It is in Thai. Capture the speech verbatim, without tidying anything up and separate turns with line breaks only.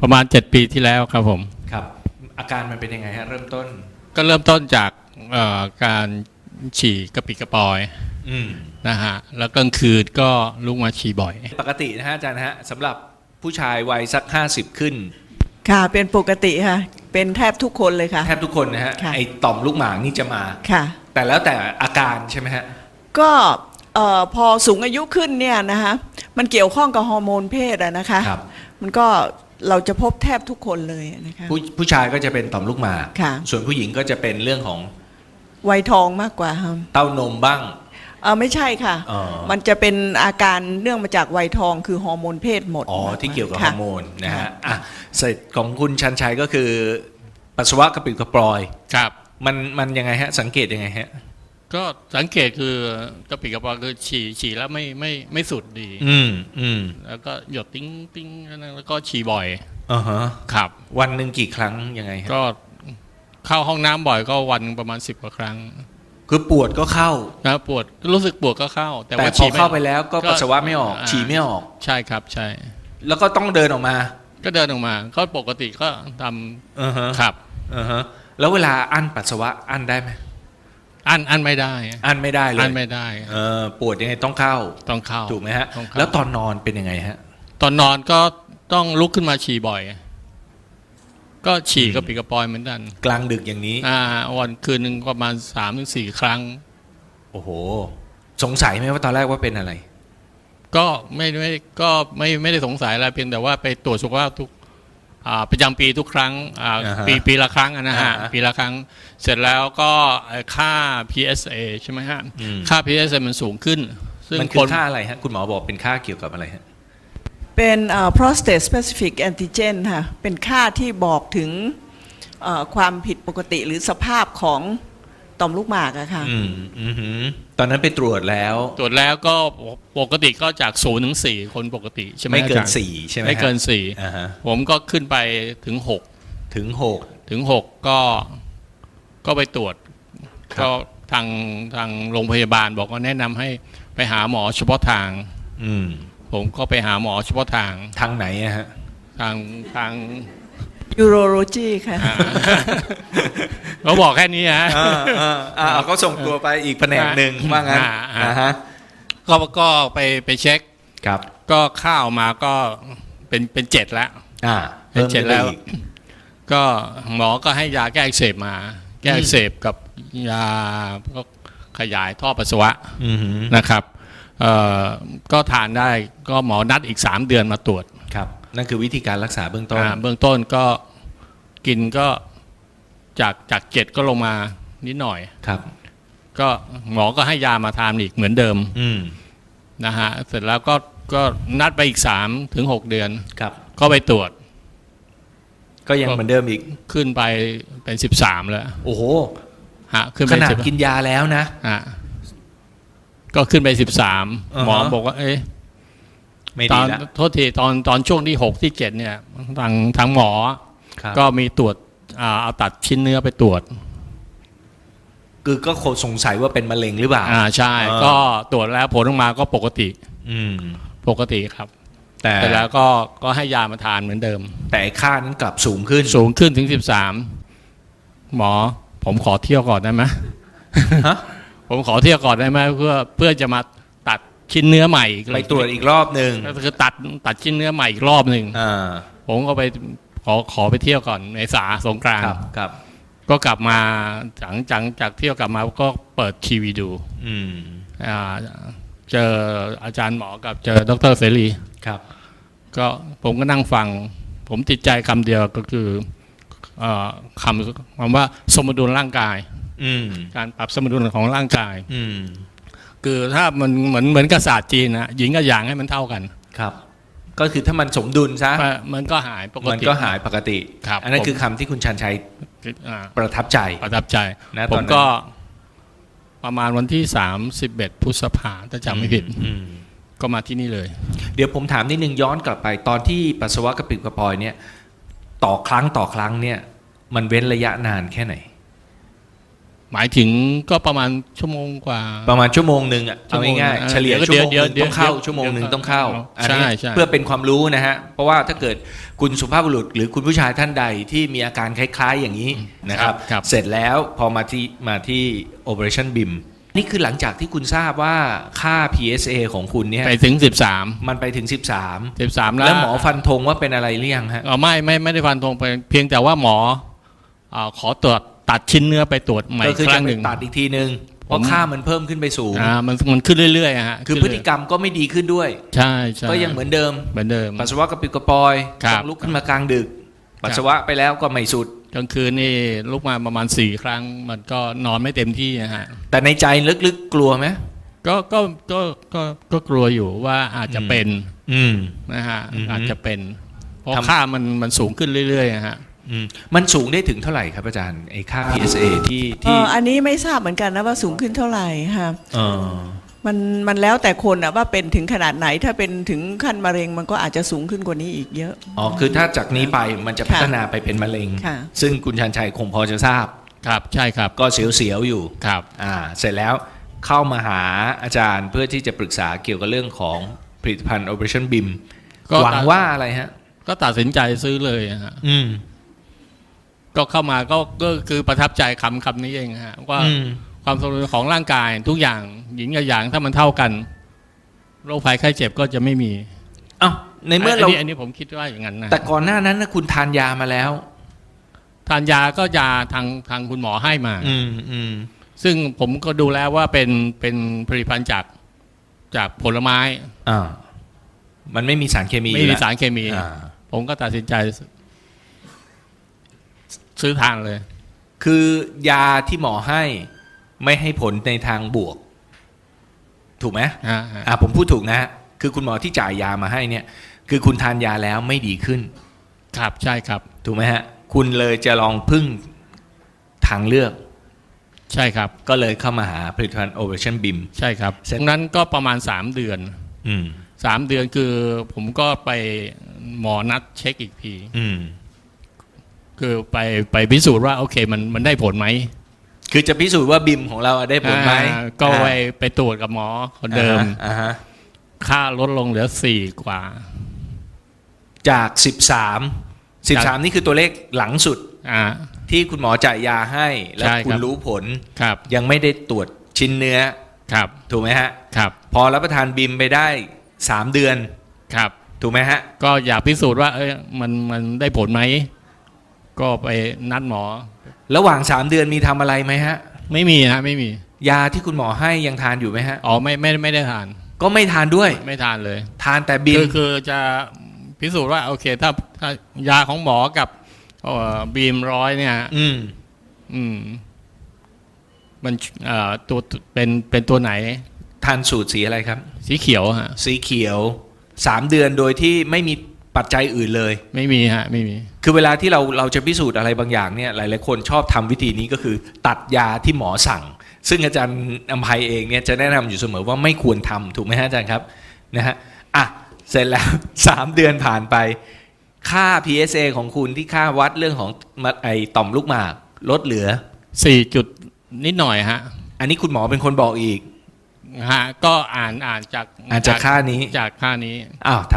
ประมาณเจ็ดปีที่แล้วครับผม
ครับอาการมันเป็นยังไงฮะเริ่มต้น
ก็เริ่มต้นจากการฉี่กระปิดกระปอยนะฮะแล้วกลางคืนก็ลุกมาฉี่บ่อย
ปกตินะฮะอาจารย์ฮะสำหรับผู้ชายวัยสักห้าสิบขึ้น
ค่ะเป็นปกติค่ะเป็นแทบทุกคนเลยค่ะ
แทบทุกคนนะฮะไอต่อมลูกหมากนี่จะมา
ค่ะ
แต่แล้วแต่อาการใช่ไหมฮะ
ก็พอสูงอายุขึ้นเนี่ยนะคะมันเกี่ยวข้องกับฮอร์โมนเพศอะนะคะมันก็เราจะพบแทบทุกคนเลยนะคะ
ผู้ผู้ชายก็จะเป็นต่อมลูกหมากส่วนผู้หญิงก็จะเป็นเรื่องของ
วัยทองมากกว่าครับ
เต้านมบ้าง
เออไม่ใช่ค่ะมันจะเป็นอาการเนื่องมาจากวัยทองคือฮอร์โมนเพศหมด
อ๋อที่เกี่ยวกับฮอร์โมนนะฮะอ่ะเสร็จของคุณชันชัยก็คือปัสสาวะกระปิดกระปอย
ครับ
มันมันยังไงฮะสังเกตยังไงฮะ
ก็สังเกตคือกระปิดกระปอยคือฉี่ฉี่แล้วไม่ไม่ไม่สุดดี
อืมอืม
แล้วก็หยดติ้งติ้งแล้วก็ฉี่บ่อย
อ่าฮะ
ครับ
วันหนึ่งกี่ครั้งยังไงฮะ
ก็เข้าห้องน้ำบ่อยก็วันประมาณสิบกว่าครั้ง
คือปวดก็เข้า
นะปวดรู้สึกปวดก็เข้า
แต่ว่าฉี่เข้าไปแล้วก็ปัสสาวะไม่ออกฉี่ไม่ออก
ใช่ครับใช่
แล้วก็ต้องเดินออกมา
ก็เดินออกมาก็ปกติก็ท
ำอือฮะ
ครับ
อือฮะแล้วเวลาอั้นปัสสาวะอั้นได้ไหม
อั้นอั้นไม่ได้
อั้นไม่ได้เลย
อั้นไม่ได้
เออปวดยังไงต้องเข้า
ต้องเข้า
ถูกไหมฮะแล้วตอนนอนเป็นยังไงฮะ
ตอนนอนก็ต้องลุกขึ้นมาฉี่บ่อยก็ฉี่กระปิดกระปอยเหมือนกัน
กลางดึกอย่างนี้
อ่าวันคืนหนึ่งประมาณสามถึงสี่ครั้ง
โอ้โหสงสัยไหมว่าตอนแรกว่าเป็นอะไร
ก็ไม่ไม่ก็ไม่ไม่ได้สงสัยอะไรเพียงแต่ว่าไปตรวจสุขภาพทุกประจำปีทุกครั้งปีปีละครั้งนะฮะปีละครั้งเสร็จแล้วก็ค่า พี เอส เอ ใช่ไหมฮะค่า พี เอส เอ มันสูงขึ้น
ซึ่งมันคือค่าอะไรฮะคุณหมอบอกเป็นค่าเกี่ยวกับอะไรฮะ
เป็น prostate specific antigen ค่ะเป็นค่าที่บอกถึงความผิดปกติหรือสภาพของต่อมลูกหมากอะค่ะ
ตอนนั้นไปตรวจแล้ว
ตรวจแล้วก็ปกติก็จากศูนย์ถึงสี่คนปกติใช่ไหม
ไม่เกินสี่ใช่ไหม
ไม่เกินสี่ผมก็ขึ้นไปถึงหก
ถึงหก
ถึงหกก็ก็ไปตรวจก็ทางทางโรงพยาบาลบอกว่าแนะนำให้ไปหาหมอเฉพาะทางผมก็ไปหาหมอเฉพาะทาง
ทางไหนฮะ
ทางทาง
urology ค่ะ
เขาบอกแค่นี้ฮะ
อ่าเขาส่งตัวไปอีกแผนกหนึ่งว่างั้นนะฮะ
ก็ก็ไปไปเช็ค
ครับ
ก็ข้าวมาก็เป็นเป็นเจ็ดแล้ว
อ่า
เป็นเจ็ดแล้วก็หมอก็ให้ยาแก้อักเสบมาแก้อักเสบกับยาก็ขยายท่อปัสสาวะนะครับเอ่อก็ทานได้ก็หมอนัดอีกสามเดือนมาตรวจ
ครับนั่นคือวิธีการรักษาเบื้องต้น
เบื้องต้นก็กินก็จากจากเจ็ดก็ลงมานิดหน่อย
ครับ
ก็หมอก็ให้ยามาทานอีกเหมือนเดิมนะฮะเสร็จแล้วก็ก็นัดไปอีกสามถึงหกเดือน
ครับ
ก็ไปตรวจ
ก็ยังเหมือนเดิมอีก
ขึ้นไปเป็นสิบสามแล้ว
โอ้โห
ฮะขึ้น
ไปขนาดกินยาแล้วนะ
ฮะก็ขึ้นไปสิบสามหมอบอกว่าเอ๊ะตอนโทษทีตอนตอนช่วงที่หกที่เจ็ดเนี่ยทางทางหมอก็มีตรวจเอาตัดชิ้นเนื้อไปตรวจ
คือก็สงสัยว่าเป็นมะเร็งหรือเปล่า
อ่าใช่ก็ตรวจแล้วผลออกมาก็ปกติ
อืม
ปกติครับแต่แล้วก็ก็ให้ยามาทานเหมือนเดิม
แต่ค่านั้นกลับสูงขึ้น
สูงขึ้นถึงสิบสามหมอผมขอเที่ยวก่อนได้ไหมฮะผมขอเที่ยวก่อนได้ไหมเพื่อเพื่อจะมาตัดชิ้นเนื้อใหม่
ไปตรวจอีกรอบหนึ่ง
ก็คือตัดตัดชิ้นเนื้อใหม่อีกรอบหนึ่งผมก็ไปขอขอไปเที่ยวก่อนในสาสงกรานต์
ครับ
ก็กลับมาหลังจากจากเที่ยวกลับมาก็เปิดทีวีดูอ่าเจออาจารย์หมอกับเจอดร.เสรี
ครับ
ก็ผมก็นั่งฟังผมติดใจคำเดียวก็คือคำคำว่าสมดุลร่างกายการปรับสมดุลของร่างกายคือถ้ามันเหมือนเหมือนกับศาสตร์จีนนะหญิงกับหยางให้มันเท่ากัน
ครับก็คือถ้ามันสมดุลซะ
มันก็หายปกติ
มันก็หายปกติอันนั้นคือคำที่คุณชันชัยประทับใจ
ประทับใจ
นะ
ผมก็ประมาณวันที่สามสิบเอ็ดพฤษภาถ้าจำไม่ผิดก็มาที่นี่เลย
เดี๋ยวผมถามนิดนึงย้อนกลับไปตอนที่ปัสสาวะกระปิดกระปอยเนี่ยต่อครั้งต่อครั้งเนี่ยมันเว้นระยะนานแค่ไหน
หมายถึงก็ประมาณชั่วโมงกว่า
ประมาณชั่วโมงหนึ่งอ่ะ
ชั่
เอา
วโมง
ง่าย
เออ
ๆเฉลี่ย
เดี๋ยว
ชั่วโมงห
เดี๋ยว
นึ่งต้องเข้า
เดี๋ยว
ชั่วโมงหนึ่ง
เดี๋ยว
ต้องเข้า
เดี๋ยว
อันนี้
ใช่ใช่
เพื่อเป็นความรู้นะฮะเพราะว่าถ้าเกิดคุณสุภาพบุรุษหรือคุณผู้ชายท่านใดที่มีอาการคล้ายๆอย่างนี้นะครับ
ครับ
เสร็จแล้วพอมาที่มาที่ Operation บี เอ็ม นี่คือหลังจากที่คุณทราบว่าค่า พี เอส เอ ของคุณเนี่ย
ไปถึงสิบสาม
มันไปถึงสิบสาม
สิบสามแล้ว
แล้วหมอฟันธงว่าเป็นอะไรหรือยังฮะ
เออไม่ไม่ไม่ได้ฟันธงไปเพียงแต่ว่าหมอเอ่อขอตรวจตัดชิ้นเนื้อไปตรวจใหม่
ก็
อีก
คือ
ค
จะ
รั้ง
ไป
หนึ่ง
ตัดอีกทีนึงเพราะ
ผม
ค่ามันเพิ่มขึ้นไปสูง
อ่ามันมันขึ้นเรื่อยๆอะฮะ
คือพฤติกรรมก็ไม่ดีขึ้นด้วย
ใช่ใช่
ก็ยังเหมือนเดิม
เหมือนเดิม
ปัสสาวะกระปิดกระปอย
ครับ
ต้องลุกขึ้นมากลางดึก ปัสสาวะไปแล้วก็ไม่สุด
กลางคืนนี่ลุกมาประมาณสี่ครั้ง มันก็นอนไม่เต็มที่อะฮะ
แต่ในใจลึกๆกลัวไหม
ก็ก็ก็ก็ก็กลัวอยู่ว่าอาจจะเป็น
อืม
นะฮะ
อือฮึ
อาจจะเป็น เพราะ
ทำ
ค่ามันมันสูงขึ้นเรื่อยๆอะฮะ
อืมมันสูงได้ถึงเท่าไหร่ครับอาจารย์ไอ้ค่า พี เอส เอ ที่
เอ่
ที่
ออันนี้ไม่ทราบเหมือนกันนะว่าสูงขึ้นเท่าไหร่ค่ะ
เออ
มันมันแล้วแต่คนอะว่าเป็นถึงขนาดไหนถ้าเป็นถึงขั้นมะเร็งมันก็อาจจะสูงขึ้นกว่านี้อีกเยอะ
อ๋อคือถ้าจากนี้ไปมันจะ
ค่ะ
พัฒนาไปเป็นมะเร็ง
ค่ะ
ซึ่งคุณชันชัยคงพอจะทราบ
ครับใช่ครับ
ก็เสียวๆอยู่
ครับ
อ่าเสร็จแล้วเข้ามาหาอาจารย์เพื่อที่จะปรึกษาเกี่ยวกับเรื่องของผลิตภัณฑ์ Operation บี เอ็ม
ก็
หวังว่าอะไรฮะ
ก็ตัดสินใจซื้อเลยอะฮะ
อืม
ก็เข้ามาก็ก็คือประทับใจคำคำนี้เองฮะว่า
อืม
ความสมดุลของร่างกายทุกอย่างหญิงกับหยางถ้ามันเท่ากันโรคภัยไข้เจ็บก็จะไม่มี
เอ้าในเมื่อเรา
นนี้อันนี้ผมคิดว่าอย่างนั้นนะ
แต่ก่อนหน้านั้นนะคุณทานยามาแล้ว
ทานยาก็ยาทางทางคุณหมอให้มา
อืมอืม
ซึ่งผมก็ดูแล้วว่าเป็นเป็นผลิตภัณฑ์จากจากผลไม้
อ่ามันไม่มีสารเคมี
ไม่
อยู่
มี
แล้ว
สารเคมี
อ่า
ผมก็ตัดสินใจซื้อทานเลย
คือยาที่หมอให้ไม่ให้ผลในทางบวก ถูกไหม
ฮะฮะ
อ่าผมพูดถูกนะฮะคือคุณหมอที่จ่ายยามาให้เนี่ย คือคุณทานยาแล้วไม่ดีขึ้น
ครับใช่ครับ
ถูกไหมฮะ คุณเลยจะลองพึ่งทางเลือก
ใช่ครับ
ก็เลยเข้ามาหาผลิตภัณฑ์ Operation บี เอ็ม
ใช่ครับ
เสร็จ
ตรงนั้นก็ประมาณสามเดือน
อืม
สามเดือนคือผมก็ไปหมอนัดเช็คอีกที
อืม
คือไปไปพิสูจน์ว่าโอเคมันมันได้ผลไหม
คือจะพิสูจน์ว่าบิมของเราได้ผลไหม
อ่าก็ไปไปตรวจกับหมอคนเดิม
อ่าฮะ
ค่าลดลงเหลือสี่กว่า
จากสิบสามสิบสามนี่คือตัวเลขหลังสุด
อ่า
ที่คุณหมอจ่ายยาให้ แล้ว
ใช่
คุ
ค
ณ
รับ
รู้ผล
ครับ
ยังไม่ได้ตรวจชิ้นเนื้อ
ครับ
ถูกไหมฮะ
ครับ
พอรับประทานบิมไปได้สามเดือน
ครับ
ถูกไหมฮะ
ก็อยากพิสูจน์ว่า เอ้ยมันมันได้ผลไหมก็ไปนัดหมอ
ระหว่างสามเดือนมีทำอะไรไหมฮะ
ไม่มีฮะไม่มี
ยาที่คุณหมอให้ยังทานอยู่ไหมฮะ
อ๋อไม่ไม่ไม่ได้ทาน
ก็ไม่ทานด้วย
ไม่ทานเลย
ทานแต่บิม
คือคือจะพิสูจน์ว่าโอเคถ้าถ้ายาของหมอกับเอ่อบีมร้อยเนี่ย
อืม
อืม มันเอ่อตัวเป็นเป็นตัวไหน
ทานสูตรสีอะไรครับ
สีเขียวฮะ
สีเขียวสามเดือนโดยที่ไม่มีปัจจัยอื่นเลย
ไม่มีฮะ ไม่มี
คือเวลาที่เราเราจะพิสูจน์อะไรบางอย่างเนี่ยหลายๆคนชอบทำวิธีนี้ก็คือ ตัดยาที่หมอสั่ง ซึ่งอาจารย์อภัยเองเนี่ยจะแนะนำอยู่เสมอว่าไม่ควรทำถูกไหมฮะอาจารย์ครับนะฮะอ่ะเสร็จแล้ว สามเดือนผ่านไป ค่า พี เอส เอ ของคุณที่ค่าวัดเรื่องของมะไอต่อมลูกหมากลดเหลือ
สี่จุดนิดหน่อยฮะ
อันนี้คุณหมอเป็นคนบอกอีก
ฮะ ก็อ่านอ่านจาก
อ่านจากค่านี้
จากค่านี้
อ้าว